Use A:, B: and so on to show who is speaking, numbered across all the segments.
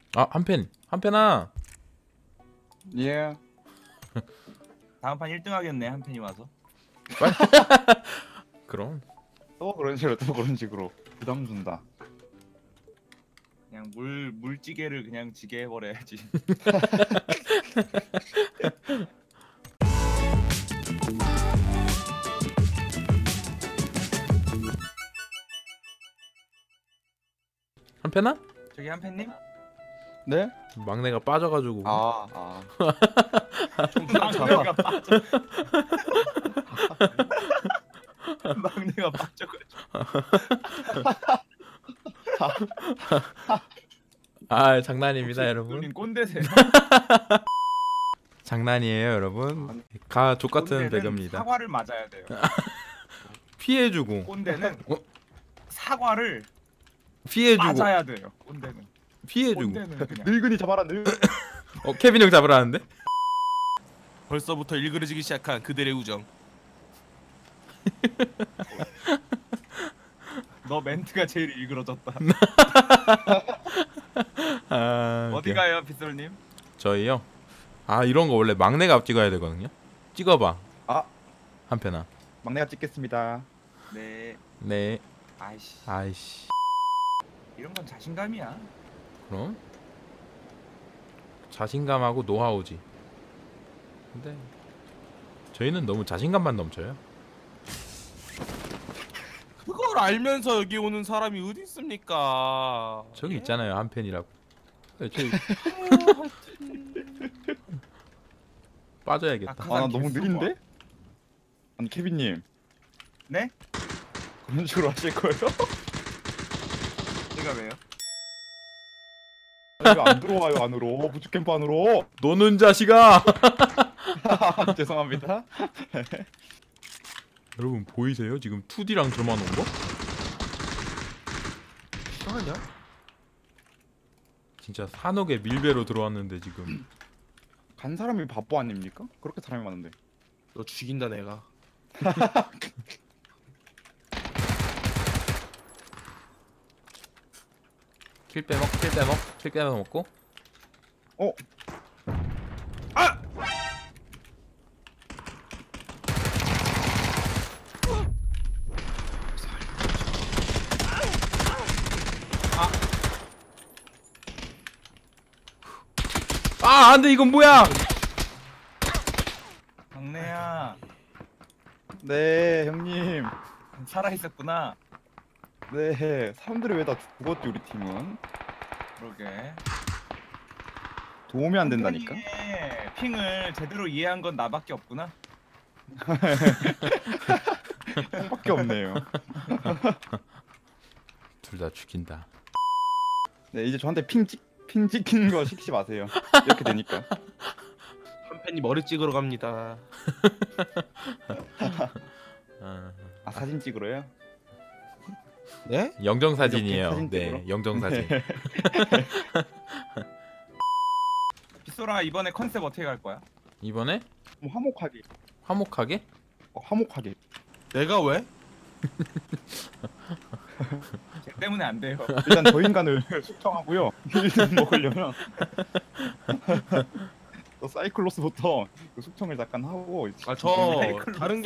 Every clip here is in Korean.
A: 아, 한펜아.
B: 예.
C: 다음 판 1등 하겠네, 한 팬이 와서.
A: 그럼
B: 또 그런 식으로 또 그런 식으로 부담 준다.
C: 그냥 물찌개를 그냥 지게 해버려야지.
A: 한펜아?
C: 저기 한 팬님?
B: 네?
A: 막내가 빠져가지고.
B: 아.
C: 막내가 빠져. 막내가 빠져가지고.
A: 아, 장난입니다, 여러분.
C: 형님 꼰대세요.
A: 장난이에요, 여러분. 가 족같은
C: 꼰대는
A: 배그입니다.
C: 사과를 맞아야 돼요.
A: 피해주고
C: 꼰대는
A: 어?
C: 사과를
A: 피해주고
C: 맞아야 돼요. 꼰대는.
A: 피해주고.
C: 꼰대는 그냥.
B: 늙은이 잡아라 늙.
A: 케빈 형 잡으라는데?
D: 벌써부터 일그러지기 시작한 그들의 우정.
C: 너 멘트가 제일 일그러졌다.
A: 아,
C: 어디 가요, 빗솔님?
A: 저희요? 아, 이런 거 원래 막내가 찍어야 되거든요. 찍어봐.
B: 아.
A: 한편아.
B: 막내가 찍겠습니다.
C: 네.
A: 네.
C: 아이씨.
A: 아이씨.
C: 이런 건 자신감이야.
A: 그럼 자신감하고 노하우지. 근데 저희는 너무 자신감만 넘쳐요.
D: 그걸 알면서 여기 오는 사람이 어디 있습니까?
A: 저기 있잖아요, 한편이라고. 저기 빠져야겠다.
C: 그
B: 아, 나
C: 사람
B: 너무
C: 개수가.
B: 느린데? 아니 케빈님
C: 네?
B: 그런 식으로 하실 거예요?
C: 제가 왜요?
B: 왜 안 들어와요 안으로? 부츠캠프 안으로?
A: 노는 자식아.
B: 죄송합니다.
A: 여러분 보이세요? 지금 2D랑 저만 온 거?
D: 아니야?
A: 진짜 산옥의 밀배로 들어왔는데 지금.
B: 간 사람이 바보 아닙니까? 그렇게 사람이 많은데.
D: 너 죽인다 내가.
A: 킬 빼먹고.
B: 어?
A: 아, 안돼, 이건 뭐야?
C: 막내야,
B: 네 형님.
C: 살아 있었구나.
B: 네 사람들이 왜 다 죽었지 우리 팀은?
C: 그러게.
B: 도움이 안 된다니까.
C: 팬이의 핑을 제대로 이해한 건 나밖에 없구나.
B: 밖에 없네요.
A: 둘 다 죽인다.
B: 네 이제 저한테 핑 찍히는 거 시키지 마세요. 이렇게 되니까.
D: 한 팬이 머리 찍으러 갑니다.
B: 아 사진 찍으러요?
D: 네?
A: 영정 사진이에요.
B: 사진
A: 네,
B: 찍으러?
A: 영정 사진.
C: 빗소라 이번에 컨셉 어떻게 갈 거야?
A: 이번에
B: 뭐 화목하게.
A: 화목하게?
B: 화목하게.
D: 내가 왜?
C: 걔 때문에 안 돼요.
B: 일단 저 인간을 숙청하고요. 1등 먹으려면 또 사이클로스부터 그 숙청을 잠깐 하고.
D: 아 저
C: 사이클로스.
D: 다른 게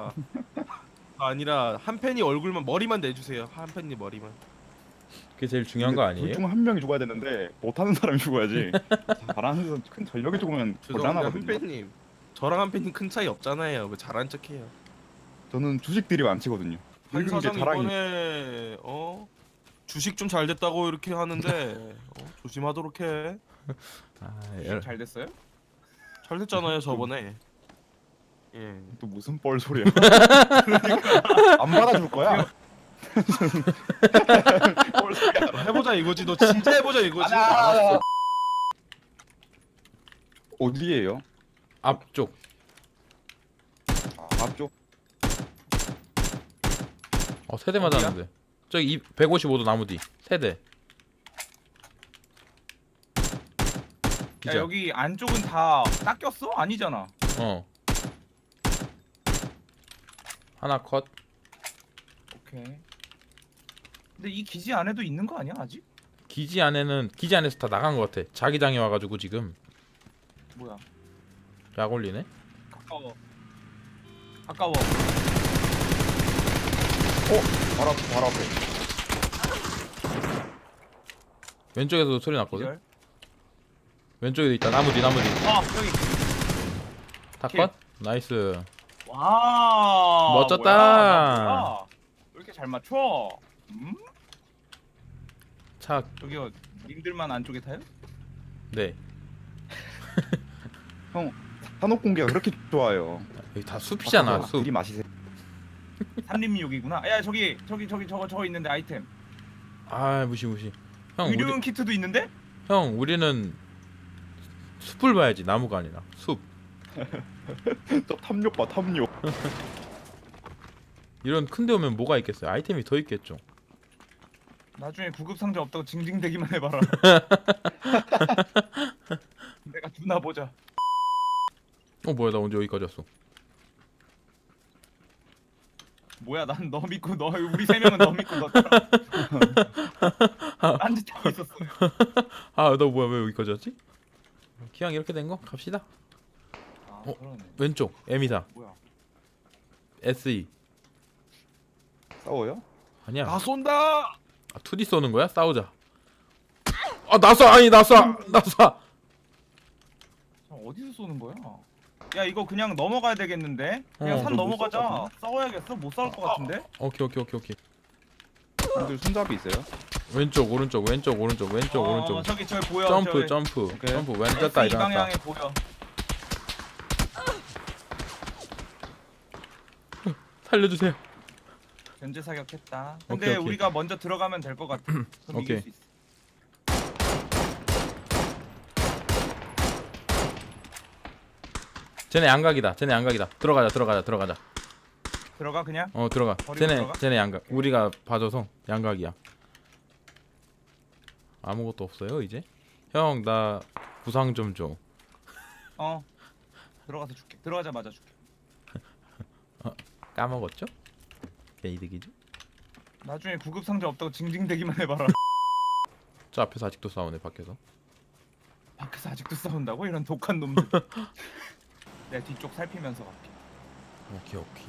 D: 아니라 한 팬이 얼굴만 머리만 내주세요. 한 팬이 머리만.
A: 그게 제일 중요한 거 아니에요?
B: 둘중 한 명이 죽어야 되는데 못하는 사람이 죽어야지. 잘하는 사람 큰 전력이 죽으면
D: 죄송합니다 한
B: 곤란하거든요.
D: 팬님. 저랑 한 팬님 큰 차이 없잖아요. 왜 잘한 척해요?
B: 저는 주식들이 안 치거든요.
D: 한
B: 늙은 게
D: 사장
B: 자랑이.
D: 이번에 주식 좀 잘 됐다고 이렇게 하는데 조심하도록 해.
A: 아,
C: 잘 됐어요?
D: 잘 됐잖아요 저번에. 예.
B: 또 무슨 뻘 소리야? 안 받아줄 거야? 뻘 소리야.
D: 해보자 이거지. 너 진짜 해보자 이거지.
B: 알았어. 어디에요?
A: 앞쪽.
B: 앞쪽.
A: 세대 맞았는데. 저기 155도 나무 뒤. 세대.
C: 야
A: 기자.
C: 여기 안쪽은 다 닦였어? 아니잖아.
A: 하나 컷.
C: 오케이. 근데 이 기지 안에도 있는 거 아니야 아직?
A: 기지 안에서 다 나간 것 같아. 자기장이 와가지고 지금
C: 뭐야?
A: 약 올리네.
C: 가까워. 가까워.
B: 바로 앞에 바로 앞에.
A: 왼쪽에서도 소리 났거든.
C: 기절.
A: 왼쪽에도 있다. 나무 뒤.
C: 여기.
A: 다
C: 킬.
A: 컷. 나이스.
C: 와.
A: 멋졌다.
C: 뭐야? 왜 이렇게 잘 맞춰?
A: 차.
C: 저기요. 님들만 안쪽에 타요?
A: 네.
B: 형 산업 공개가 그렇게 좋아요.
A: 여기 다 숲이잖아. 숲.
B: 들이 마시세요.
C: 산림욕이구나. 야 저기 저거 있는데 아이템.
A: 아 무시. 형
C: 의료용 키트도 있는데?
A: 우리는 숲을 봐야지. 나무가 아니라 숲.
B: 저 탐욕 봐 탐욕.
A: 이런 큰데 오면 뭐가 있겠어요? 아이템이 더 있겠죠.
C: 나중에 구급 상자 없다고 징징대기만 해봐라. 내가 두나 보자.
A: 뭐야 나 언제 여기까지 왔어?
C: 뭐야 난 너 믿고 너 우리 세 명은 너 믿고 넣었잖아. 딴짓하고 있었어요.
A: 아 너 뭐야 왜 여기까지 왔지? 기왕 이렇게 된 거 갑시다.
C: 아
A: 어?
C: 그러네.
A: 왼쪽 M24
C: 뭐야?
A: SE
B: 싸워요?
A: 아니야.
D: 나 쏜다.
A: 아, 2D 쏘는 거야? 싸우자. 아 나 쏴! 아니 나 쏴! 나 쏴!
C: 자, 어디서 쏘는 거야? 야 이거 그냥 넘어가야 되겠는데? 그냥 산
B: 너못
C: 넘어가자.
B: 쏠 것
C: 싸워야겠어? 못 싸울 것 같은데?
A: 오케이.
B: 형들 손잡이 있어요?
A: 왼쪽 오른쪽
C: 저기 보여.
A: 점프
B: 오케이.
A: 왼쪽 다
C: 이
A: 일어났다.
C: 방향에 보여.
A: 살려주세요.
C: 견제 사격했다. 근데
A: 오케이.
C: 우리가 먼저 들어가면 될 것 같아. 그럼 이길
A: 오케이.
C: 수 있어.
A: 쟤네 양각이다. 들어가자.
C: 들어가 그냥?
A: 들어가.
C: 버리고 들어가?
A: 쟤네 양각. 우리가 봐줘서 양각이야. 아무것도 없어요 이제. 형 나 구상 좀 줘.
C: 들어가서 줄게. 들어가자마자 줄게.
A: 까먹었죠? 개이득이죠?
C: 나중에 구급 상자 없다고 징징대기만 해봐라.
A: 저 앞에서 아직도 싸우네 밖에서.
C: 밖에서 아직도 싸운다고? 이런 독한 놈들. 내가 뒤쪽 살피면서 갈게.
A: 오케이.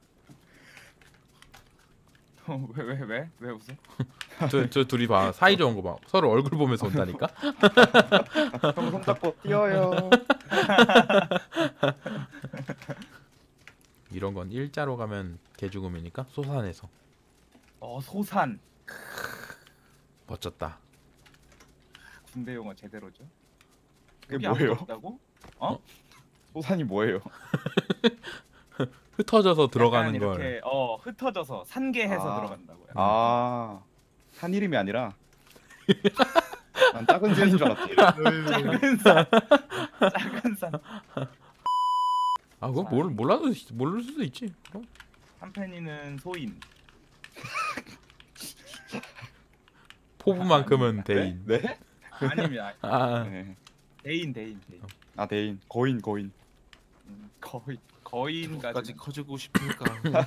C: 왜 웃어?
A: 저 둘이 봐. 사이좋은 거 봐. 서로 얼굴 보면서 온다니까.
B: 형 손잡고 뛰어요.
A: 이런 건 일자로 가면 개죽음이니까 소산에서.
C: 소산.
A: 멋졌다.
C: 군대 용어 제대로죠.
B: 그게
C: 여기
B: 뭐예요?
C: 아무도 없다고?
B: 소산이 뭐예요?
A: 흩어져서
C: 약간
A: 들어가는 걸.
C: 이렇게 흩어져서 산계해서
B: 아.
C: 들어간다고요.
B: 아, 산 이름이 아니라 난 작은 산인 줄 알았지.
C: 작은 산. 작은 산.
A: 아 그거 모를 수도 있지. 그럼.
C: 한편이는 소인.
A: 포부만큼은 대인.
B: 네?
C: 아닙니다.
B: 네.
C: 대인.
B: 아 대인. 거인.
C: 거인까지.
D: 까지 커지고 싶으니까.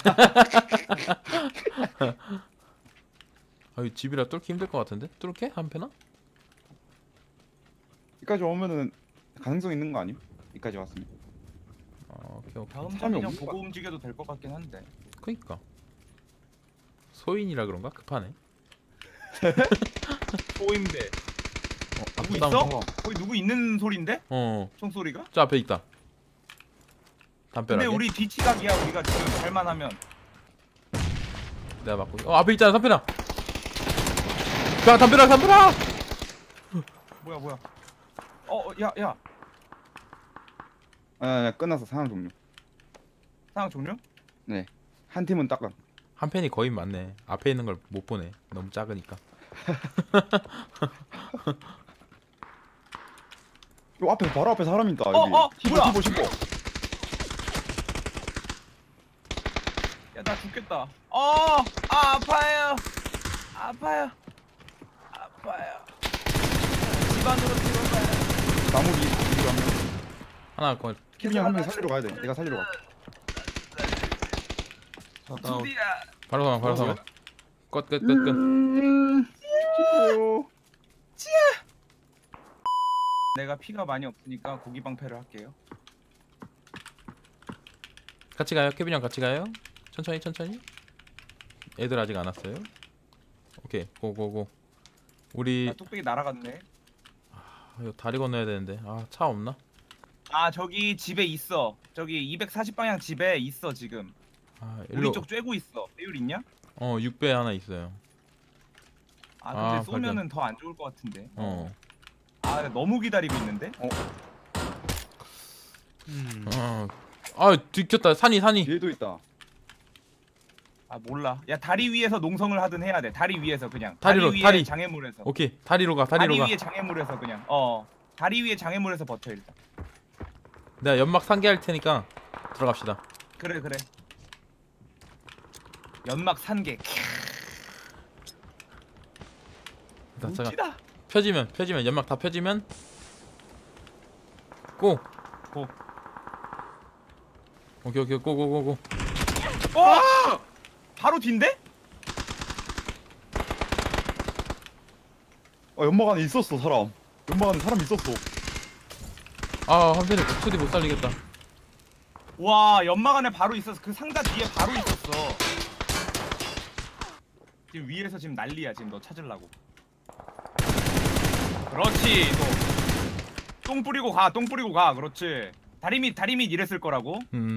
A: 아 집이라 뚫기 힘들 것 같은데? 뚫게? 한패나?
B: 여기까지 오면은 가능성 있는 거 아님? 여기까지 왔으면.
A: 오케이.
C: 다음
B: 사람이
C: 장 그냥
B: 없는
C: 보고
B: 거
C: 움직여도 될 것 같긴 한데.
A: 그니까. 소인이라 그런가? 급하네.
C: 소인데. 누구
A: 앞에
C: 있어? 거기 누구 있는 소린데?
A: 저
C: 총소리가?
A: 앞에 있다. 담벼락에.
C: 근데 우리 뒤치각이야. 우리가 지금 잘만 하면.
A: 내가 맞고. 앞에 있잖아 담벼락. 야 담벼락.
C: 뭐야? 야.
B: 아, 끝났어. 상황 종료.
C: 상황 종료?
B: 네. 한 팀은 딱.
A: 한 팬이 거의 맞네. 앞에 있는 걸 못 보네. 너무 작으니까.
B: 요 앞에 바로 앞에 사람 있다. 여기.
C: 뭐야?
B: 티보.
C: 야 나 죽겠다. 아파요. 집 안으로 들어가요.
B: 나무 뒤로 한 명.
A: 하나 거.
B: 키빈이 한 명 살리러 가야 돼. 내가 살리러 가.
D: 다운.
C: 드디어.
A: 바로 사망. 끝.
B: 싫어요.
C: 내가 피가 많이 없으니까 고기 방패를 할게요.
A: 같이 가요. 케빈 형 같이 가요. 천천히 천천히. 애들 아직 안 왔어요. 오케이 고고고. 우리
C: 아, 뚝배기 날아갔네.
A: 이거 다리 건너야 되는데. 아 차 없나?
C: 아 저기 집에 있어. 저기 240방향 집에 있어 지금.
A: 아
C: 우리
A: 일로.
C: 쪽 쬐고 있어. 배율 있냐?
A: 6배 하나 있어요.
C: 아 근데
A: 아,
C: 쏘면은 더 안 좋을 것 같은데.
A: 어.
C: 아 너무 기다리고 있는데.
A: 아 들켰다. 산이.
B: 뒤에도 있다.
C: 아 몰라. 야 다리 위에서 농성을 하든 해야 돼. 다리 위에서 그냥.
A: 다리로,
C: 다리 위에
A: 다리.
C: 장애물에서.
A: 오케이 다리로 가.
C: 다리
A: 다리로 가.
C: 위에 장애물에서 그냥. 다리 위에 장애물에서 버텨 일단.
A: 내가 연막 상계할 테니까 들어갑시다.
C: 그래. 연막 산개.
A: 잠깐.
C: 웃기다.
A: 펴지면 연막 다 펴지면 고.
C: 고.
A: 오케이 고고고고.
C: 바로 뒤인데?
B: 연막 안에 있었어 사람. 연막 안에 사람 있었어.
A: 아 한편에 목소리 못 살리겠다.
C: 와 연막 안에 바로 있었어. 그 상자 뒤에 바로 있었어. 지금 위에서 지금 난리야. 지금 너 찾으려고. 그렇지. 똥 뿌리고 가. 그렇지. 다리 밑 이랬을 거라고.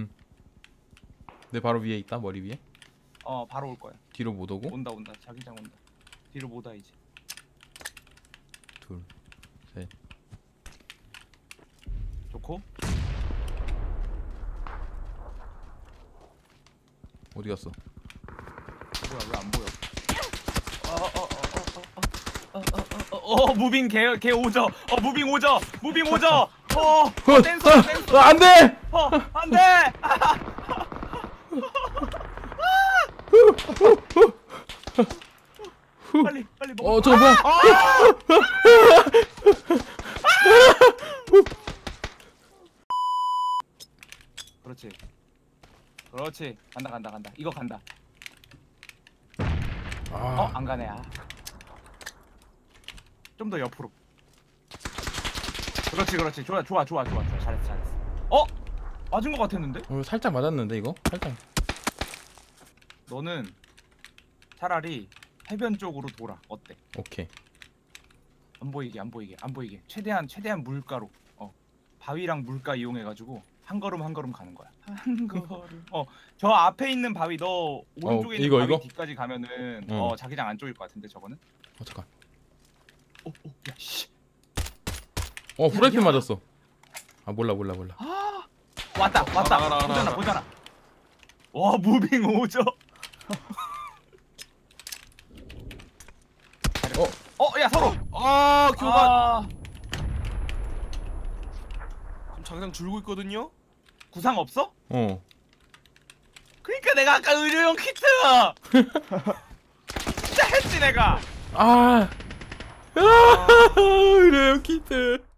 A: 내 바로 위에 있다. 머리 위에.
C: 바로 올 거야.
A: 뒤로 못 오고.
C: 온다. 자기장 온다. 뒤로 못 와 이제.
A: 둘, 셋.
C: 좋고.
A: 어디 갔어?
C: 뭐야 왜 안 보여? 무빙 개 오져. 무빙 오져. 댄서.
A: 안 돼!
C: 안 돼. 빨리 먹어.
A: 저거 뭐야?
C: 그렇지. 간다. 이거 간다.
A: 아,
C: 안 가네. 좀 더 옆으로. 그렇지. 좋아. 잘했어. 맞은 것 같았는데?
A: 살짝 맞았는데 이거? 살짝.
C: 너는 차라리 해변 쪽으로 돌아. 어때?
A: 오케이.
C: 안 보이게. 최대한 물가로. 바위랑 물가 이용해가지고 한 걸음 가는 거야. 한 걸음. 저 앞에 있는 바위 너 오른쪽에 있는 바위
A: 이거?
C: 뒤까지 가면은 자기장 안쪽일 것 같은데 저거는.
A: 잠깐.
C: 야 씨.
A: 프라이팬 맞았어. 아 몰라.
C: 왔다.
D: 알아.
C: 보잖아. 와 무빙 오죠. 야 서로.
D: 교관. 지금 장장 줄고 있거든요.
C: 구상 없어? 그러니까 내가 아까 의료용 키트. 진짜 했지 내가.
A: 이래요 키트.